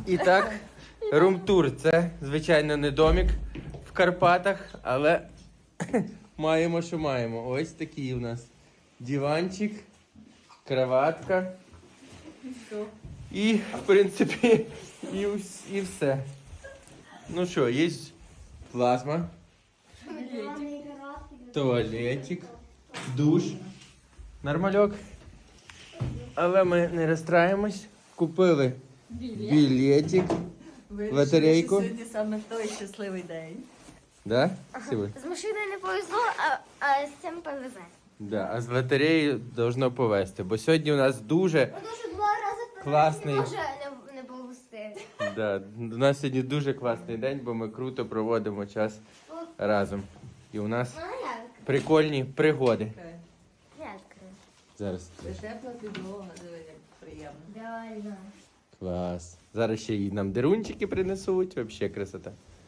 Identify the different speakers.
Speaker 1: І так, рум-тур. Це, звичайно, не домик в Карпатах, але маємо, що маємо. Ось такий у нас диванчик, кроватка. І, в принципі, і все. Ну що, є плазма, туалетик, душ, нормальок. Але ми не розстраємось. Купили білетик, лотерейку.
Speaker 2: Сьогодні саме той щасливий день.
Speaker 1: Да? Сіли?
Speaker 3: З машиною не повезло, а з цим повезе.
Speaker 1: Да, а з лотереї должно повезти. Бо сьогодні у нас дуже
Speaker 3: Тому що 2 рази
Speaker 1: класний.
Speaker 3: не може не повезти.
Speaker 1: Да, у нас сьогодні дуже класний день, бо ми круто проводимо час разом. І у нас
Speaker 3: Ну як?
Speaker 1: прикольні пригоди.
Speaker 3: Як?
Speaker 1: Зараз.
Speaker 2: Тепла підлога, диви, як приємно.
Speaker 3: Реально.
Speaker 1: Клас. Зараз ще й нам дерунчики принесуть. Взагалі красота.